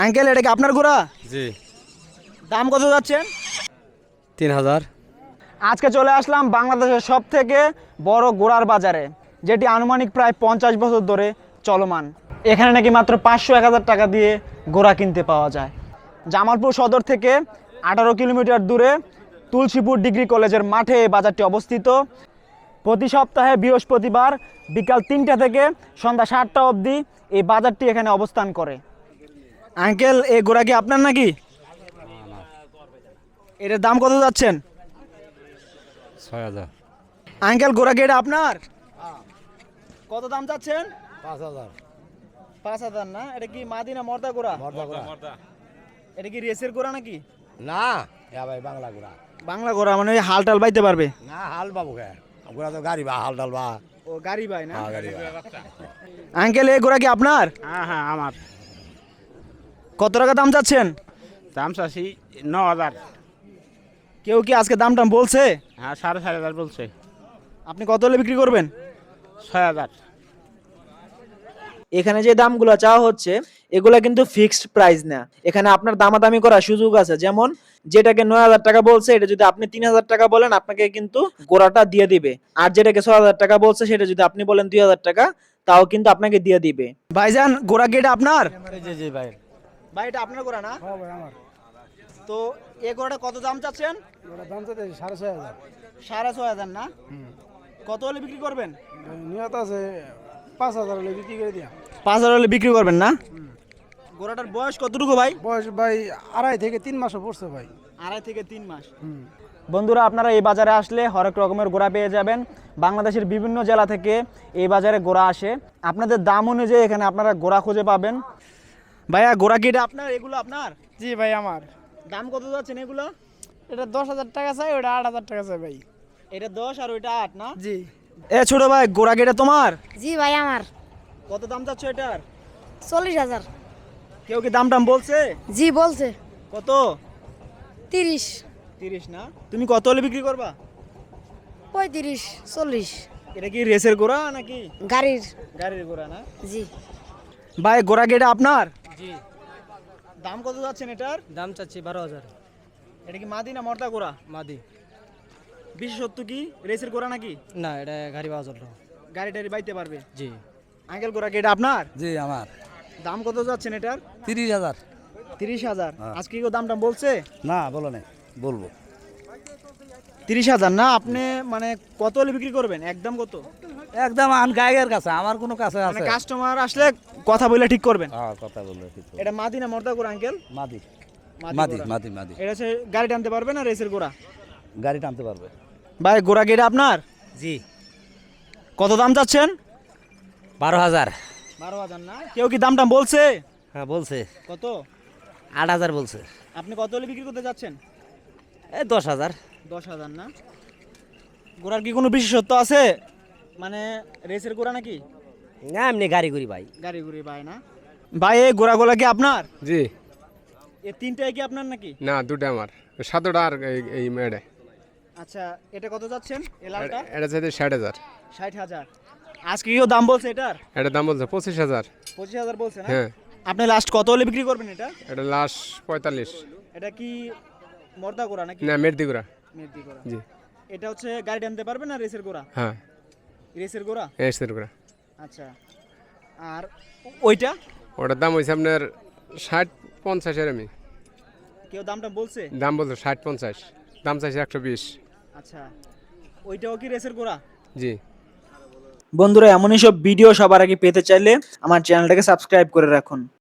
Uncle এটা কি আপনার ঘোড়া? জি। দাম কত যাচ্ছেন? 3000। আজকে চলে আসলাম বাংলাদেশের সব থেকে বড় ঘোড়ার বাজারে, যেটি আনুমানিক প্রায় 50 বছর ধরে চলমান। এখানে নাকি মাত্র 500-1000 টাকা দিয়ে ঘোড়া কিনতে পাওয়া যায়। জামালপুর সদর থেকে 18 কিলোমিটার দূরে তুলসীপুর ডিগ্রি কলেজের মাঠে এই বাজারটি অবস্থিত। প্রতি সপ্তাহে বৃহস্পতিবার বিকাল 3টা থেকে সন্ধ্যা 7টা অবধি এই বাজারটি এখানে অবস্থান করে। আঙ্কেল এই ঘোড়া কি আপনার নাকি? এটার দাম কত যাচ্ছেন? 6000। আঙ্কেল ঘোড়া কি এটা আপনার? কত দাম চাচ্ছেন? 5000। 5000 না? এটা কি মাদি না মর্দা ঘোড়া? মর্দা। এটা কি রেসের ঘোড়া নাকি? না, এ ভাই বাংলা গুড়া। বাংলা ঘোড়া মানে ওই হাল টাল বাইতে পারবে? না, হাল বাবু কে। গুড়া তো গাড়ি বা হাল ডাল বা। ও গাড়ি বাই না? হ্যাঁ, গাড়ি বা। আঙ্কেল এই ঘোড়া কি আপনার? হ্যাঁ আমার কত টাকা দাম চাচ্ছেন? দাম চাচ্ছি 9000। কেউ কি আজকে দাম টাম বলছে? হ্যাঁ 4.5 বলছে। আপনি কত হলে বিক্রি করবেন? 6000। এখানে যে দামগুলো চাওয়া হচ্ছে এগুলা কিন্তু ফিক্সড প্রাইস না, এখানে আপনার দামাদামি করার সুযোগ আছে। যেমন যেটাকে 9000 টাকা বলছে এটা যদি আপনি 3000 টাকা বলেন আপনাকে কিন্তু গোড়াটা দিয়ে দিবে, আর যেটাকে 6000 টাকা বলছে সেটা যদি আপনি বলেন 2000 টাকা তাও কিন্তু আপনাকে দিয়ে দিবে। ভাইজান গোড়া কি এটা আপনার? জি জি ভাই। ভাই এটা আপনার গোড়া না? হ্যাঁ ভাই আমার। তো এই গোড়াটা কত দাম চাচ্ছেন? ওটা দাম চাচ্ছে 6500। 6500 না? কত হলে বিক্রি করবেন? নিয়ত আছে 5000 হলে বিক্রি করে দিয়া। 5000 হলে বিক্রি করবেন না? গোড়াটার বয়স কতটুকু ভাই? বয়স ভাই 2.5 থেকে 3 মাসও পড়ছে ভাই। 2.5 থেকে 3 মাস। বন্ধুরা আপনারা এই বাজারে আসলে হরেক রকমের গোড়া পেয়ে যাবেন। বাংলাদেশের বিভিন্ন জেলা থেকে এই বাজারে গোড়া আসে। আপনাদের দাম অনুযায়ী এখানে আপনারা গোড়া খুঁজে পাবেন। ভাইয়া গোড়া কি এটা আপনার? এগুলো আপনার? জি ভাই আমার। দাম কত যাচ্ছেন এগুলো? এটা 10000 টাকা চাই, ওটা 8000 টাকা চাই ভাই। এটা 10 আর ওইটা 8 না? জি। এ ছোট ভাই গোড়া কি এটা তোমার? জি ভাই আমার। কত দাম চাচ্ছ এটার? 40,000। কেউ কি দাম টাম বলছে? জি বলছে কত? 30, 30 না? তুমি কত হলে বিক্রি করবা? 35, 40। এটা কি রেসের গোড়া নাকি গাড়ির। গাড়ির গোড়া না? জি। ভাই গোড়া কি এটা আপনার? জি। দাম কত যাচ্ছেন এটার? দাম চাচ্ছি 12,000। এটা কি মাদি না মর্দা গোড়া? মাদি। বিশেষত্ব কি রেসের গোড়া নাকি? না, এটা গাড়ি পাওয়া জন্য। গাড়ি টাড়ি বাইতে পারবে? জি। আঙ্কেল গোড়া কি এটা আপনার? জি আমার। দাম কত যাচ্ছেন এটার? 30000। 30,000। আজকে কি দাম টাম বলছে? না বলো না, বলবো। 30,000 না? আপনি মানে কত হলে বিক্রি করবেন? একদম কত? একদম আন গায়ের কাছে, আমার কোনো কাছে মানে আছে। কাস্টমার আসলে কথা বলে ঠিক করবেন। হ্যাঁ, কথা বললো ঠিক। এটা মাদি না মর্দা গোড়া আঙ্কেল? মাদি। মাদি মাদি গোড়া। মাদি মাদি। এটা হচ্ছে গাড়ি টানতে পারবে না রেসের গোড়া? গাড়ি টানতে পারবে। ভাই গোড়া কি এটা আপনার? জি। কত দাম চাচ্ছেন? 12,000। 12,000 না? কেউ কি দাম টাম বলছে? হ্যাঁ বলছে। কত? 8,000 বলছে। আপনি কত হলে বিক্রি করতে যাচ্ছেন? এই 10,000। 10,000 না? গোড়ার কি কোনো বিশেষত্ব আছে? মানে রেসের গোড়া নাকি না, এমনি গাড়ি করি ভাই। গাড়ি গুড়ি ভাই না? ভাই এই গোড়াগুলা কি আপনার? জি। এই তিনটাই কি আপনার নাকি? না, দুটো আমার। সাতটা আর এই মেয়েটা। আচ্ছা এটা কত যাচ্ছেন এই লালটা? এটা চাইতে 60,000। 60,000। আজকে কিও দাম বলছে এটার? এটার দাম বলছে 25,000। 25,000 বলছে না? হ্যাঁ। আপনি লাস্ট কত হলে বিক্রি করবেন এটা? এটা লাস্ট 45। এটা কি মর্দা গোড়া নাকি না, মেরদিগুড়া। মেহেদি গোড়া? জি। এটা হচ্ছে গাড়ি টানতে পারবে না রেসের গোড়া? হ্যাঁ, রেসের গোড়া। এসেরগুড়া। আচ্ছা আর ওইটা ওটার দাম হয়েছে আপনার 60-50 এরমি। কেউ দামটা বলছে? দাম বলছে 60-50। দাম চাইছে 120। আচ্ছা ওইটাও কি রেসের গোড়া? জি। বন্ধুরা এমনই সব ভিডিও সবার আগে পেতে চাইলে আমার চ্যানেলটাকে সাবস্ক্রাইব করে রাখুন।